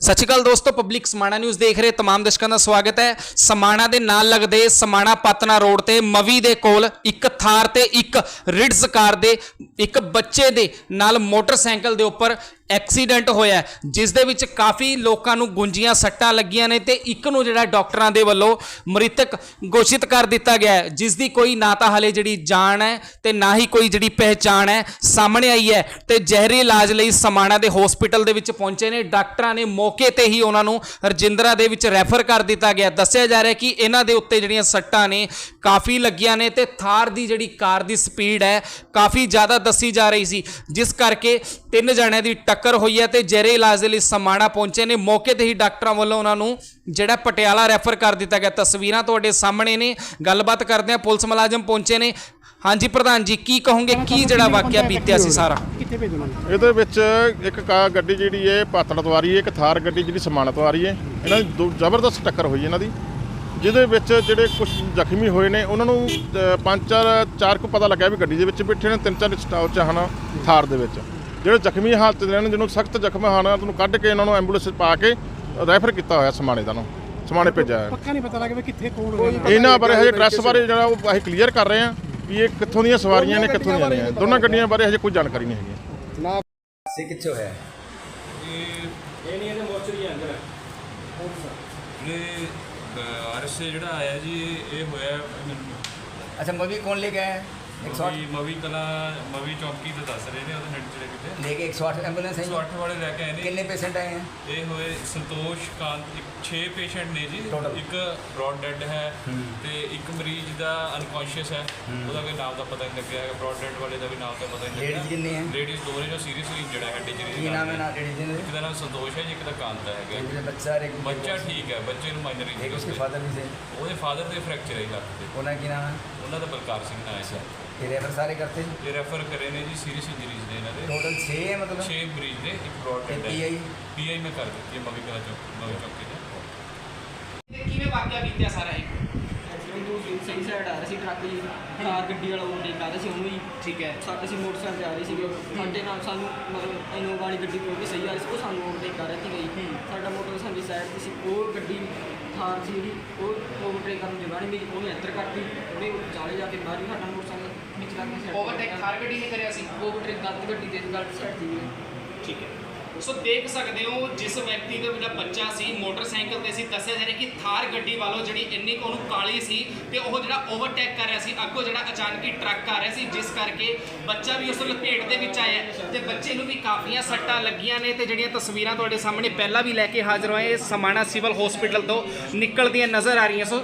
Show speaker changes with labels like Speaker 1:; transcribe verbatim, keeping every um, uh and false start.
Speaker 1: सत श्री अकाल दोस्तों, पब्लिक समाणा न्यूज़ देख रहे तमाम दर्शकों का स्वागत है। समाणा दे नाल लगदे समाणा पातना रोड ते मवी दे कोल एक थार ते एक रिड्स कार दे एक बच्चे दे नाल मोटरसाइकिल दे उपर एक्सीडेंट होया, जिस दे विच काफ़ी लोगों नूं गुंजियां सट्टां लगियां ने ते एक नूं जिहड़ा डॉक्टरां दे वल्लों मृतक घोषित कर दिता गया है, जिस दी कोई ना तां हले जिहड़ी जान है ते ना ही कोई जिहड़ी पहचान है सामने आई है। ते जहरी इलाज लई समाणा दे हॉस्पिटल दे विच पहुंचे ने डॉक्टरां ने मौके ते ही उन्हां नूं रजिंद्रा दे विच रैफर कर दिता गया। दस्सिया जा रहा है कि इन्हां दे उत्ते जिहड़ियां सट्टां ने काफ़ी लगियां ने ते थार दी जिहड़ी कार दी स्पीड है काफ़ी ज़्यादा दसी जा रही सी, जिस करके तीन जणिਆਂ ਦੀ टक्कर हुई है तो जहरे इलाज के लिए समाणा पहुंचे ने। मौके ते ही डॉक्टरों वालों उन्होंने जिहड़ा पटियाला रैफर कर दिता गया। तस्वीरां तुहाडे सामने ने, गलबात करते हैं। पुलिस मुलाजम पहुंचे ने। हाँ जी प्रधान जी, की कहोगे की जिहड़ा वाकया बीतिया सी सारा?
Speaker 2: ਇਹਦੇ ਵਿੱਚ ਇੱਕ ਕਾ ਗੱਡੀ ਜਿਹੜੀ ਹੈ ਪਾਤੜਾ ਤੋਂ ਆ ਰਹੀ ਹੈ, ਇੱਕ ਥਾਰ ਗੱਡੀ ਜਿਹੜੀ ਸਮਾਣਾ ਤੋਂ ਆ ਰਹੀ ਹੈ। ਇਹਨਾਂ ਦੀ ਦੋ ਜ਼ਬਰਦਸਤ ਟੱਕਰ ਹੋਈ ਇਹਨਾਂ ਦੀ, ਜਿਹਦੇ ਵਿੱਚ ਜਿਹੜੇ ਕੁਝ ਜ਼ਖਮੀ ਹੋਏ ਨੇ ਉਹਨਾਂ ਨੂੰ ਪੰਜ ਚਾਰ ਚਾਰ ਕੁ ਪਤਾ ਲੱਗਿਆ ਵੀ ਗੱਡੀ ਦੇ ਵਿੱਚ ਬੈਠੇ ਨੇ, ਤਿੰਨ ਚਾਰ ਸਟਾਪ ਚ ਹਨ ਥਾਰ ਦੇ ਵਿੱਚ। ਜਿਹੜੇ ਜ਼ਖਮੀ ਹਾਲਤ ਦੇ ਨੇ, ਜਿਹਨੂੰ ਸਖਤ ਜ਼ਖਮ ਹਨ, ਉਹਨੂੰ ਕੱਢ ਕੇ ਇਹਨਾਂ ਨੂੰ ਐਂਬੂਲੈਂਸ ਪਾ ਕੇ ਰੈਫਰ ਕੀਤਾ ਹੋਇਆ ਸਮਾਣੇ ਦਾ ਨੂੰ ਸਮਾਣੇ ਭੇਜਿਆ ਹੈ।
Speaker 3: ਪੱਕਾ ਨਹੀਂ ਪਤਾ ਲੱਗਾ ਵੀ ਕਿੱਥੇ ਕੌਣ ਹੋਇਆ।
Speaker 2: ਇਹਨਾਂ ਬਾਰੇ ਹਜੇ ਐਡਰੈਸ ਬਾਰੇ ਜਿਹੜਾ ਉਹ ਅਸੀਂ ਕਲੀਅਰ ਕਰ ਰਹੇ ਹਾਂ ਵੀ ਇਹ ਕਿੱਥੋਂ ਦੀਆਂ ਸਵਾਰੀਆਂ ਨੇ, ਕਿੱਥੋਂ ਦੀਆਂ ਨਹੀਂ। ਦੋਨਾਂ ਗੱਡੀਆਂ ਬਾਰੇ ਹਜੇ ਕੋਈ ਜਾਣਕਾਰੀ ਨਹੀਂ ਹੈਗੀ।
Speaker 4: से किच्छो है
Speaker 5: ਇਹ ਨਹੀਂ ਇਹਦੇ ਮੋਰਚਰੀ ਅੰਦਰ ਇਹ ਆਰਐਸ ਜਿਹੜਾ ਆਇਆ ਜੀ ਇਹ ਹੋਇਆ
Speaker 4: अच्छा मूवी कौन लेके आया एक सौ
Speaker 5: ਮਵੀ ਮਵੀ ਕਲਾ ਮਵੀ ਚੌਕੀ ਤੇ ਦੱਸ ਰਹੇ ਨੇ ਉਹਦੇ ਨੇੜੇ ਜਿਹੜੇ ਕਿਤੇ
Speaker 4: लेके एक सौ आठ एम्बुलेंस है
Speaker 5: ਇੱਕ ਸੌ ਅੱਠ ਵਾਲੇ ਲੈ ਕੇ ਆਏ ਨੇ।
Speaker 4: कितने पेशेंट आए हैं
Speaker 5: ਇਹ ਹੋਏ ਸੰਤੋਸ਼ ਕਾਂਤ, ਇੱਕ ਛੇ ਪੇਸ਼ੈਂਟ ਨੇ ਜੀ।
Speaker 4: Total?
Speaker 5: ਇੱਕ ਬ੍ਰੌਡ ਡੈਡ ਹੈ ਤੇ ਇੱਕ ਮਰੀਜ਼ ਦਾ ਅਨਕੌਂਸ਼ੀਅਸ ਹੈ, ਉਹਦਾ ਕੋਈ ਨਾਮ ਦਾ ਪਤਾ ਨਹੀਂ ਲੱਗਿਆ ਹੈਗਾ। ਬ੍ਰੌਡ ਡੈਡ ਵਾਲੇ ਦਾ ਵੀ ਨਾਮ ਤਾਂ ਪਤਾ ਨਹੀਂ
Speaker 4: लेडीज
Speaker 5: ਲੱਗਿਆ।
Speaker 4: कितनी है
Speaker 5: ਲੇਡੀਜ਼ ਦੋ ਨੇ ਜੋ ਸੀਰੀਅਸਲੀ ਇੰਜਰਡ ਹੈ, ਹੈਡ ਇੰਜਰੀ
Speaker 4: की नाम है ना लेडीज
Speaker 5: ਇੱਕ ਦਾ ਨਾਮ ਸੰਤੋਸ਼ ਹੈ ਜੀ, ਇੱਕ ਦਾ ਕਾਂਤ ਹੈਗਾ।
Speaker 4: ने बच्चा और एक
Speaker 5: ਬੱਚਾ ਠੀਕ ਹੈ, ਬੱਚੇ ਨੂੰ ਮਾਈਨਰ
Speaker 4: एक उसके
Speaker 5: ਇੰਜਰੀ
Speaker 4: फादर भी से
Speaker 5: ਉਹਦੇ ਫਾਦਰ ਦੇ ਫ੍ਰੈਕਚਰ ਹੈ ਲੱਤ ਤੇ।
Speaker 4: ओनर की नाम है
Speaker 5: ਉਹਨਾਂ ਦਾ ਬਲਕਾਰ ਸਿੰਘ ਨਾਮ ਹੈ।
Speaker 4: ये रेफर सारे करते हैं
Speaker 5: ਇਹ ਰੈਫਰ ਕਰੇ ਨੇ ਜੀ, ਸੀਰੀਅਸ ਇੰਜਰੀਜ਼ ਨੇ ਇਹਨਾਂ ਦੇ।
Speaker 4: टोटल छः है मतलब
Speaker 5: ਛੇ ਮਰੀਜ਼ ਨੇ, ਇੱਕ ਬ੍ਰੌਡ ਡੈਡ ਹੈ।
Speaker 4: पीआई
Speaker 5: ਪੀਆਈ ਮੈਂ ਕਰ ਦਿੱਤੀ ਹੈ ਮਵੀ ਕਲਾ ਚੌਕ ਮਵੀ ਚੌਕੀ ਤੇ।
Speaker 1: ਕਿਵੇਂ ਵਾਕਿਆ ਬੀਤਿਆ ਸਾਰਾ ਇਹ?
Speaker 6: ਐਕਸੀਡੈਂਟ ਤੋਂ ਸਹੀ ਸਾਈਡ ਆ ਰਹੀ ਸੀ ਟਰੱਕ ਜੀ, ਕਾਰ ਗੱਡੀ ਵਾਲਾ ਓਵਰਟੇਕ ਕਰ ਰਿਹਾ ਸੀ ਉਹਨੂੰ ਹੀ।
Speaker 1: ठीक है,
Speaker 6: ਸਾਡੇ ਅਸੀਂ ਮੋਟਰਸਾਈਕਲ 'ਤੇ ਆ ਰਹੇ ਸੀਗੇ, ਸਾਡੇ ਨਾਲ ਸਾਨੂੰ ਮਤਲਬ ਇਨੋਵਾ ਵਾਲੀ ਗੱਡੀ ਕੋਈ ਵੀ ਸਹੀ ਆ ਰਹੀ ਸੀ, ਉਹ ਸਾਨੂੰ ਓਵਰਟੇਕ ਕਰ ਰਹੀ ਸੀ ਗਈ। ਸਾਡਾ ਮੋਟਰਸਾਈਕਲ ਦੀ ਸਾਈਡ 'ਤੇ ਸੀ, ਉਹ ਗੱਡੀ ਥਾਰ ਸੀ ਜਿਹੜੀ ਉਹ ਓਵਰਟੇਕ ਕਰਨ ਦੀ ਜਗ੍ਹਾ ਨਹੀਂ ਮਿਲੀ, ਉਹਨੇ ਅੰਦਰ ਕੱਢਤੀ, ਉਹਨੇ ਚਾਲੇ ਜਾ ਕੇ ਬਾਹਰ ਵੀ ਸਾਡਾ ਮੋਟਰਸਾਈਕਲ ਵਿੱਚ ਲੱਗ ਗਿਆ।
Speaker 1: ओवरटेक थार गड्डी ने करिया सी।
Speaker 6: ਓਵਰਟੇਕ ਗਲਤ ਗੱਡੀ ਦੇ ਗਲਤ ਸਾਈਡ ਸੀ।
Speaker 1: ठीक है, सो देख सकते हो जिस व्यक्ति का जो बच्चा सी मोटरसाइकिल ते सी, दस्सिया जा रहा कि थार गड्डी वालों जी इन्नी को काली सी ते वो जो ओवरटेक कर रहा सी, अगों जो अचानक ही ट्रक आ रहा सी, जिस करके बच्चा भी उस लपेट दे विच आया ते बच्चे नूं भी काफ़ियां सट्टां लगियां ने। ते जिहड़ियां तस्वीरां तुहाडे सामने पहला भी लैके हाज़र होए समाणा सिविल हॉस्पिटल तो निकलदियां नज़र आ रही हैं। सो